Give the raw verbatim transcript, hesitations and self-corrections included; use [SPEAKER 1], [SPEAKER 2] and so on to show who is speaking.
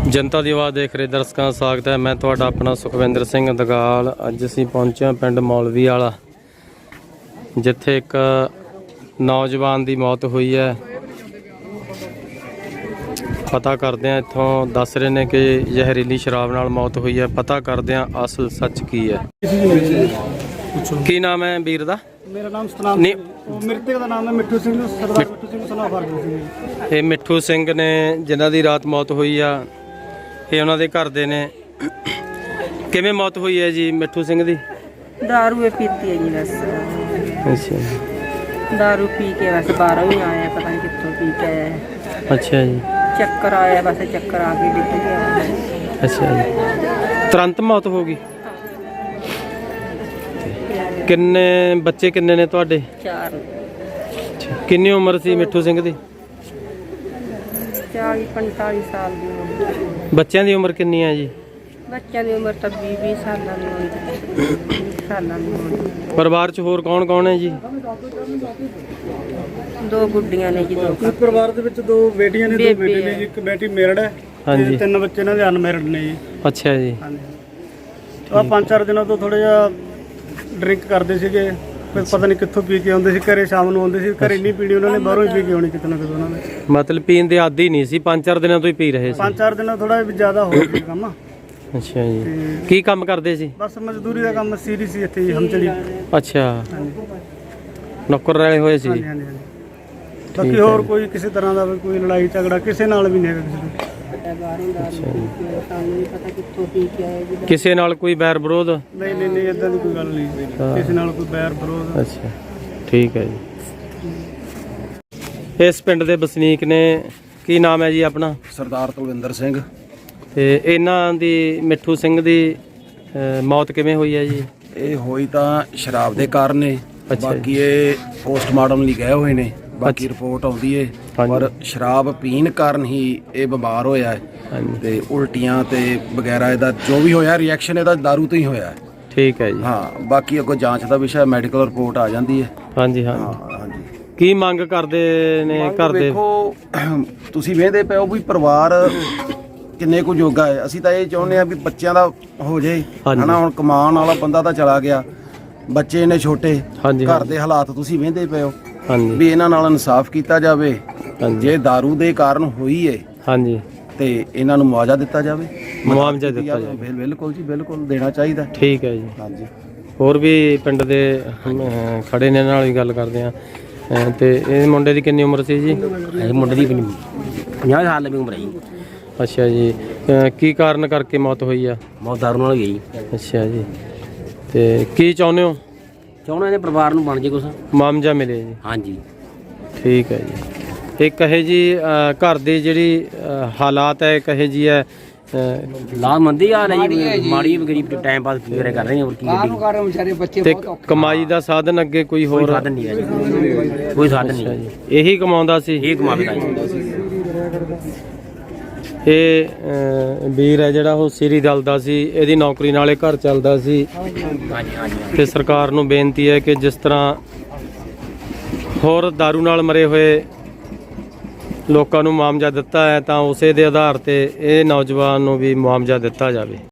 [SPEAKER 1] जनता की आवाज़ देख रहे दर्शकों का स्वागत है। मैं तुहाडा अपना सुखविंदर सिंह दगाल। अज असीं पहुंचे हां पिंड मौलवी वाला, जिथे एक नौजवान की मौत हुई है। पता करदे हां, इत्थों दस रहे ने कि जहरीली शराब नाल मौत हुई है। पता करदे हां असल सच की है। की नाम है वीर दा?
[SPEAKER 2] मेरा नाम सतनाम
[SPEAKER 1] नहीं,
[SPEAKER 2] मृतक का नाम है मिट्ठू सिंह, सरदार मिट्ठू सिंह सना फरगल सिंह।
[SPEAKER 1] ये मिट्ठू सिंह ने जिन्हां दी रात मौत हुई आ, ये उन्हां दे घर दे ने। किवें मौत हुई है जी मिट्ठू सिंह दी?
[SPEAKER 3] दारू ये पीती है जी बस।
[SPEAKER 1] अच्छा,
[SPEAKER 3] दारू पी के बस बाहरों ही आया, पता नहीं कितों पी के आया।
[SPEAKER 1] अच्छा जी,
[SPEAKER 3] चक्कर आया, बस चक्कर आ के डिग गया।
[SPEAKER 1] अच्छा जी, तुरंत मौत हो गई। किन्ने बच्चे किन्ने ने तुहाडे?
[SPEAKER 3] चार।
[SPEAKER 1] किन्नी उम्र सी मिट्ठू सिंह दी?
[SPEAKER 3] चाली पंताली साल की उम्र।
[SPEAKER 1] बच्चों की उम्र किन्नी है जी?
[SPEAKER 3] बच्चों की उम्र तो बीस बीस साल की होनी, साल की होनी।
[SPEAKER 1] परिवार च होर कौन कौन है जी?
[SPEAKER 3] दो गुड्डियां ने जी, दो
[SPEAKER 2] इस परिवार ਦੇ ਵਿੱਚ ਦੋ ਬੇਟੀਆਂ ਨੇ, ਦੋ ਬੇਟੇ ਨੇ ਜੀ। ਇੱਕ ਬੇਟੀ ਮੈਰਿਡ ਹੈ
[SPEAKER 1] ਹਾਂਜੀ।
[SPEAKER 2] ਤੇ ਤਿੰਨ ਬੱਚੇ ਇਹਨਾਂ ਦੇ ਅਨਮੈਰਿਡ ਨੇ ਜੀ।
[SPEAKER 1] अच्छा जी,
[SPEAKER 2] ਹਾਂਜੀ। ਆ ਪੰਜ ਚਾਰ ਦਿਨਾਂ ਤੋਂ ਥੋੜਾ ਜਿਹਾ ਡਰਿੰਕ ਕਰਦੇ ਸੀਗੇ, ਫਿਰ ਪਤਾ ਨਹੀਂ ਕਿੱਥੋਂ ਪੀ ਕੇ ਆਉਂਦੇ ਸੀ। ਘਰੇ ਸ਼ਾਮ ਨੂੰ ਆਉਂਦੇ ਸੀ, ਘਰੇ ਨਹੀਂ ਪੀਣੀ ਉਹਨਾਂ ਨੇ, ਬਾਹਰੋਂ ਹੀ ਪੀ ਕੇ ਆਉਣੀ ਕਿਤੇ ਨਾ ਕਿਤੇ ਉਹਨਾਂ ਨੇ।
[SPEAKER 1] मतलब पीन दे आदी नहीं सी, पांच चार दिनों तो ही पी रहे सी।
[SPEAKER 2] ਪੰਜ ਚਾਰ ਦਿਨਾਂ ਥੋੜਾ ਜਿਆਦਾ ਹੋ ਗਿਆ ਕੰਮ।
[SPEAKER 1] अच्छा जी, की काम करते सी?
[SPEAKER 2] ਬਸ ਮਜ਼ਦੂਰੀ ਦਾ ਕੰਮ ਸੀਰੀ ਸੀ ਇੱਥੇ ਹੀ ਹਮਚੜੀ।
[SPEAKER 1] अच्छा,
[SPEAKER 2] ਹਾਂਜੀ
[SPEAKER 1] नौकर रहे हुए सी।
[SPEAKER 2] ਹਾਂਜੀ ਹਾਂਜੀ। ਬਾਕੀ ਹੋਰ ਕੋਈ ਕਿਸੇ ਤਰ੍ਹਾਂ ਦਾ ਵੀ ਕੋਈ ਲੜਾਈ ਝਗੜਾ ਕਿਸੇ ਨਾਲ ਵੀ ਨਹੀਂ ਹੈਗਾ ਕਿਸੇ ਦਾ।
[SPEAKER 3] बाहरों दारू पी के, सानू नहीं पता कितों पी के आए जी।
[SPEAKER 1] किसी नाल कोई बैर विरोध?
[SPEAKER 2] ਨਹੀਂ ਨਹੀਂ ਨਹੀਂ ਇਦਾਂ ਦੀ ਕੋਈ ਗੱਲ ਨਹੀਂ, ਕਿਸੇ ਨਾਲ ਕੋਈ ਬੈਰ ਵਿਰੋਧ।
[SPEAKER 1] अच्छा, ठीक है जी। इस पिंड दे बसनीक ने, की नाम है जी अपना?
[SPEAKER 4] सरदार तलविंदर सिंह।
[SPEAKER 1] ते इन्हां दी मिट्ठू सिंह दी अ, मौत किवें हुई है जी?
[SPEAKER 4] ਇਹ ਹੋਈ ਤਾਂ ਸ਼ਰਾਬ ਦੇ ਕਾਰਨ ਨੇ।
[SPEAKER 1] ਅੱਛਾ
[SPEAKER 4] ਬਾਕੀ ਇਹ ਪੋਸਟਮਾਰਟਮ ਲਈ ਗਏ ਹੋਏ ਨੇ, ਬਾਕੀ
[SPEAKER 1] ਅੱਛਾ।
[SPEAKER 4] ਰਿਪੋਰਟ ਆਉਂਦੀ ਏ।
[SPEAKER 1] ਹਾਂਜੀ।
[SPEAKER 4] ਪਰ ਸ਼ਰਾਬ ਪੀਣ ਕਾਰਨ ਹੀ ਇਹ ਬਿਮਾਰ ਹੋਇਆ ਹੈ
[SPEAKER 1] ਹਾਂਜੀ,
[SPEAKER 4] ਤੇ ਉਲਟੀਆਂ ਤੇ ਵਗੈਰਾ ਇਹਦਾ ਜੋ ਵੀ ਹੋਇਆ ਰਿਐਕਸ਼ਨ ਇਹਦਾ दारू ਤੋਂ ਹੀ ਹੋਇਆ ਹੈ।
[SPEAKER 1] ठीक है जी।
[SPEAKER 4] ਹਾਂ, ਬਾਕੀ ਅੱਗੋਂ ਜਾਂਚ ਦਾ ਵਿਸ਼ਾ ਮੈਡੀਕਲ ਰਿਪੋਰਟ ਆ ਜਾਂਦੀ ਹੈ।
[SPEAKER 1] हाँ जी, हाँ
[SPEAKER 4] ਹਾਂ
[SPEAKER 1] जी।
[SPEAKER 4] ਹਾਂਜੀ।
[SPEAKER 1] की मंग करदे ने घर दे?
[SPEAKER 4] ਦੇਖੋ ਤੁਸੀਂ ਵੇਖਦੇ ਪਏ ਹੋ ਵੀ ਪਰਿਵਾਰ ਕਿੰਨੇ ਕੁ ਜੋਗਾ ਹੈ। ਅਸੀਂ ਤਾਂ ਇਹ ਚਾਹੁੰਦੇ ਆ ਵੀ ਬੱਚਿਆਂ ਦਾ ਹੋ ਜੇ
[SPEAKER 1] ਹਾਂਜੀ।
[SPEAKER 4] ਹਨਾ। ਹੁਣ ਕਮਾਉਣ ਵਾਲਾ ਬੰਦਾ ਤਾਂ ਚਲਾ ਗਿਆ, ਬੱਚੇ ਨੇ ਛੋਟੇ,
[SPEAKER 1] ਹਾਂਜੀ,
[SPEAKER 4] ਘਰ
[SPEAKER 1] ਹਾਂਜੀ।
[SPEAKER 4] ਦੇ ਹਾਲਾਤ ਤੁਸੀਂ ਵੇਖਦੇ ਪਏ ਹੋ
[SPEAKER 1] हाँ जी,
[SPEAKER 4] ਵੀ ਇਹਨਾਂ ਨਾਲ ਇਨਸਾਫ ਕੀਤਾ ਜਾਵੇ।
[SPEAKER 1] हाँ जी,
[SPEAKER 4] ਜੇ दारू ਦੇ ਕਾਰਨ ਹੋਈ ਏ
[SPEAKER 1] हाँ जी,
[SPEAKER 4] ਤੇ ਇਹਨਾਂ ਨੂੰ ਮੁਆਵਜ਼ਾ ਦਿੱਤਾ ਜਾਵੇ।
[SPEAKER 1] मुआवजा दिता जाए।
[SPEAKER 4] ਬਿਲ- ਬਿਲਕੁਲ ਜੀ, ਬਿਲकुल ਦੇਣਾ ਚਾਹੀਦਾ।
[SPEAKER 1] ठीक है जी।
[SPEAKER 4] ਹਾਂਜੀ।
[SPEAKER 1] ਹੋਰ ਵੀ ਪਿੰਡ ਦੇ ਅਹ, ਖੜੇ ਨੇ, ਨਾਲ ਵੀ ਗੱਲ ਕਰਦੇ ਆ। ਅਹ, ਤੇ ਇਹ ਮੁੰਡੇ ਦੀ ਕਿੰਨੀ ਉਮਰ ਸੀ ਜੀ?
[SPEAKER 5] ਇਹ ਮੁੰਡੇ ਦੀ ਪੰਜਾਹ ਸਾਲ ਦੀ ਉਮਰ ਹੈ ਜੀ।
[SPEAKER 1] ਅੱਛਾ ਜੀ, ਅਹ, ਕੀ ਕਾਰਨ ਕਰਕੇ ਮੌਤ ਹੋਈ ਆ?
[SPEAKER 5] ਬਹੁਤ ਦਾਰੂ ਨਾਲ ਹੋਈ ਹੈ ਜੀ।
[SPEAKER 1] ਅੱਛਾ ਜੀ, ਤੇ ਕੀ ਚਾਹੁੰਦੇ ਹੋ?
[SPEAKER 5] ਚਾਹੁੰਦੇ ਨੇ ਪਰਿਵਾਰ ਨੂੰ ਬਣ ਜੇ ਕੁਛ।
[SPEAKER 1] ਮੁਆਵਜ਼ਾ ਮਿਲੇ ਜੀ।
[SPEAKER 5] ਹਾਂਜੀ।
[SPEAKER 1] ਠੀਕ ਹੈ ਜੀ। ਇਹ ਕਹੇ ਜੀ ਅਹ, ਘਰ ਦੀ ਜਿਹੜੀ ਅਹ, ਹਾਲਾਤ ਹੈ ਕਹੇ ਜੀ ਹੈ ਅਹ,
[SPEAKER 5] ਲਾਮੰਦੀ ਆ ਰਹੀ ਜੀ, ਮਾੜੀ ਗਰੀਬ ਟਾਈਮ ਪਾਸ ਵਗੈਰਾ ਕਰ ਰਹੇ ਨੇ। ਹੋਰ ਕੀ ਗੱਡੀ
[SPEAKER 1] ਤੇ ਕਮਾਈ ਦਾ ਸਾਧਨ ਅੱਗੇ ਕੋਈ
[SPEAKER 5] ਕੋਈ
[SPEAKER 1] ਹੋਰ?
[SPEAKER 5] ਸਾਧਨ ਨਹੀਂ ਹੈ ਜੀ, ਕੋਈ ਸਾਧਨ
[SPEAKER 1] ਅੱਛਾ
[SPEAKER 5] ਨਹੀਂ।
[SPEAKER 1] ਜੀ, ਇਹੀ ਕਮਾਉਂਦਾ ਸੀ?
[SPEAKER 5] ਇਹ ਕਮਾਵੇਗਾ ਜੀ।
[SPEAKER 1] ਇਹ ਅਹ, ਵੀਰ ਹੈ ਜਿਹੜਾ ਉਹ ਸਿਰੀ ਦਲ ਦਾ ਸੀ, ਇਹਦੀ ਨੌਕਰੀ ਨਾਲੇ ਘਰ ਚੱਲਦਾ ਸੀ।
[SPEAKER 5] ਹਾਂਜੀ ਹਾਂਜੀ।
[SPEAKER 1] ਤੇ ਸਰਕਾਰ ਨੂੰ ਬੇਨਤੀ ਹੈ ਕਿ ਜਿਸ ਤਰ੍ਹਾਂ ਹੋਰ दारू ਨਾਲ ਮਰੇ ਹੋਏ ਲੋਕਾਂ ਨੂੰ ਮੁਆਵਜ਼ਾ ਦਿੱਤਾ ਹੈ, ਤਾਂ ਉਸੇ ਦੇ ਆਧਾਰ ਤੇ ਇਹ ਨੌਜਵਾਨ ਨੂੰ ਵੀ ਮੁਆਵਜ਼ਾ ਦਿੱਤਾ ਜਾਵੇ।